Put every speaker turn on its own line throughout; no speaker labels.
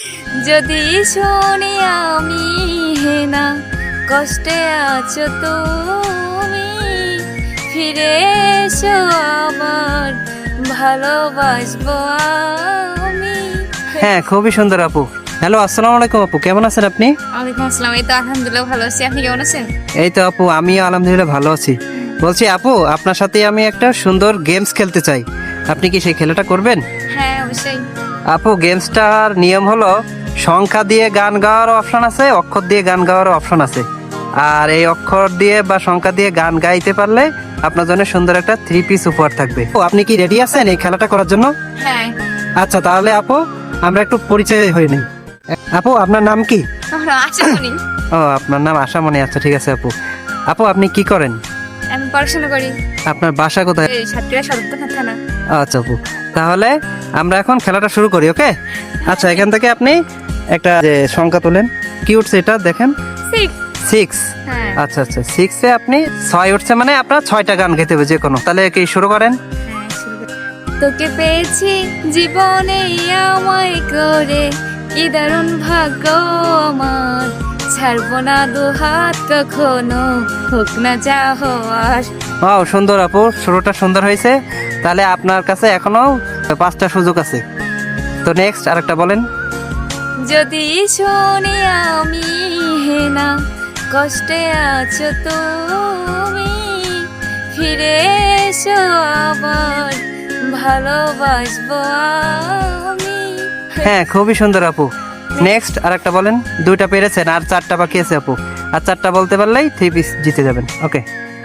যদি শুনি আমি হেনা কষ্টে আছো তুমি, ফিরে এসো আবার ভালোবাসবো আমি।
হ্যাঁ, খুবই সুন্দর আপু। হ্যালো, আসসালামু আলাইকুম আপু, কেমন আছেন আপনি?
ওয়ালাইকুম আসসালাম। এই তো আলহামদুলিল্লাহ ভালো আছি, আপনি কেমন আছেন?
এই তো আপু, আমিও আলহামদুলিল্লাহ ভালো আছি। বলছি আপু, আপনার সাথে আমি একটা সুন্দর গেমস খেলতে চাই, আপনি কি সেই খেলাটা করবেন?
হ্যাঁ অবশ্যই।
আপু, গেমসটার নিয়ম হলো সংখ্যা দিয়ে গান গাওয়ার অপশন আছে, অক্ষর দিয়ে গান গাওয়ার অপশন আছে। আর এই অক্ষর দিয়ে বা সংখ্যা দিয়ে গান গাইতে পারলে আপনার জন্য সুন্দর একটা 3 পিস উপহার থাকবে। ও, আপনি কি রেডি আছেন এই খেলাটা করার জন্য?
হ্যাঁ।
আচ্ছা, তাহলে আপু আমরা একটু পরিচয় হয়ে নিই। আপু, আপনার নাম কি?
আমরা আছি শুনি।
ও, আপনার নাম আশামণি। আচ্ছা, ঠিক আছে আপু। আপু, আপনি কি করেন?
আমি পড়াশোনা করি।
আপনার বাসা কোথায়?
এই সাতক্ষীরা সদর থানা।
আচ্ছা আপু, তাহলে আমরা এখন খেলাটা শুরু করি, ওকে? আচ্ছা, এখান থেকে আপনি একটা যে সংখ্যা তোলেন। কি উঠছে এটা দেখেন? 6।
হ্যাঁ।
আচ্ছা আচ্ছা, 6-এ আপনি 6 উঠছে, মানে আপনার 6টা গান গাইতে হবে যে কোনো। তাহলে কি শুরু করেন?
হ্যাঁ, শুরু করি। তোকে পেয়েছি জীবনে আমায় করে, কি দারুণ ভাগ্য আমার, ছাড়বো না দু হাত কখনো, হোক না যা হওয়ার।
ও, সুন্দর আপু, শুরুটা সুন্দর হয়েছে। তাহলে আপনার কাছে এখনো 5টা সুযোগ আছে। তো নেক্সট আরেকটা বলেন।
যদি শুনি আমি হেনা কষ্টে আছো তুমি, ফিরে এসো আবার ভালোবাসবো আমি।
হ্যাঁ, খুবই সুন্দর আপু। নেক্সট আরেকটা বলেন। 2টা পেরেছেন, আর 4টা বাকি আছে আপু। আর 4টা বলতে পারলেই 3 পিস জিতে যাবেন, ওকে?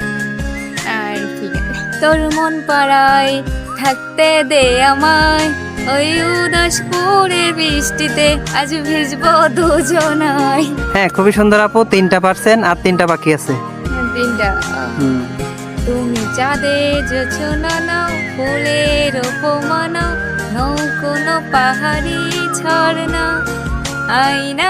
আর ঠিক আছে। তোর মন পাড়ায় থাকতে দে আমায়, ওই উদাস করে বৃষ্টিতে আজ ভিজবো দুজনাই।
হ্যাঁ, খুবই সুন্দর আপু, 3টা পারছেন, আর 3টা বাকি আছে।
তিনটা। তুমি চাঁদের জোছনা নাও, ফুলের উপমানা, নৌ কোনো পাহাড়ি ঝর্ণা, আয়না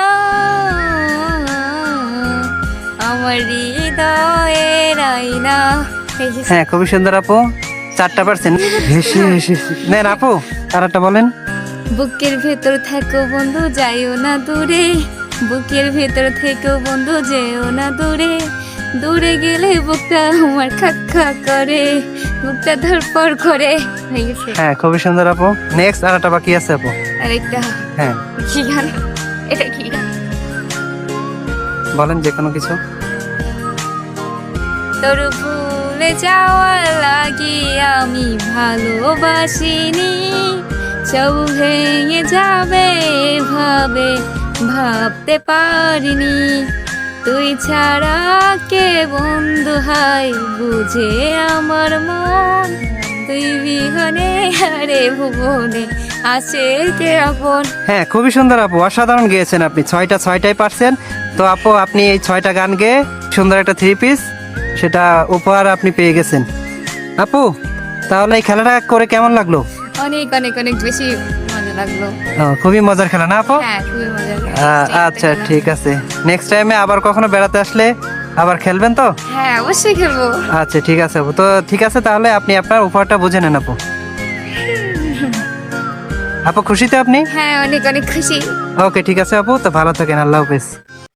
আমার হৃদয়ের আয়না।
হ্যাঁ, খুবই সুন্দর আপু, 4টা পারছেন। হেসে হেসে নেন আপু, আর একটা বলেন।
বুকের ভেতর থেকো বন্ধু যাইও না দূরে, বুকের ভেতর থেকো বন্ধু যেও না দূরে, দূরে গেলে বুকটা আমার খাক খা করে, বুকটা ধরপড় করে। হয়ে গেছে।
হ্যাঁ, খুবই সুন্দর আপু। নেক্সট আরেকটা বাকি আছে আপু।
আরেকটা
হ্যাঁ,
কি গান? এটা কি গান?
বলেন যে কোনো কিছু।
তোর ভুলে যাওয়ার লাগি আমি ভালোবাসিনি, সব ভেঙে যাবে ভাবে ভাবতে পারিনি, তুই ছাড়া কে বন্ধু হাই বুঝে আমার মন, তুই বিহনে হারে ভুবনে আছে কে আপন।
হ্যাঁ, খুবই সুন্দর আপু, অসাধারণ গেয়েছেন আপনি। 6টাই পারছেন। তো আপু, আপনি এই 6টা গান গেয়ে সুন্দর একটা 3 পিস সেটা উপহার আপনি পেয়ে গেছেন। আপু, তাহলে এই খেলাটা করে কেমন লাগলো?
অনেক অনেক অনেক বেশি মজা লাগলো।
খুবই মজার খেলা না আপু?
হ্যাঁ খুবই মজা
আচ্ছা, ঠিক আছে। নেক্সট টাইমে আবার কখনো বেড়াতে আসলে আবার খেলবেন তো?
হ্যাঁ অবশ্যই খেলবো।
আচ্ছা, ঠিক আছে আপু। তো ঠিক আছে, তাহলে আপনি আপনার উপহারটা বুঝে নেন আপু। আপু, খুশি তো আপনি?
হ্যাঁ অনেক অনেক খুশি।
ওকে, ঠিক আছে আপু, তো ভালো থাকেন, আল্লাহ হাফেজ।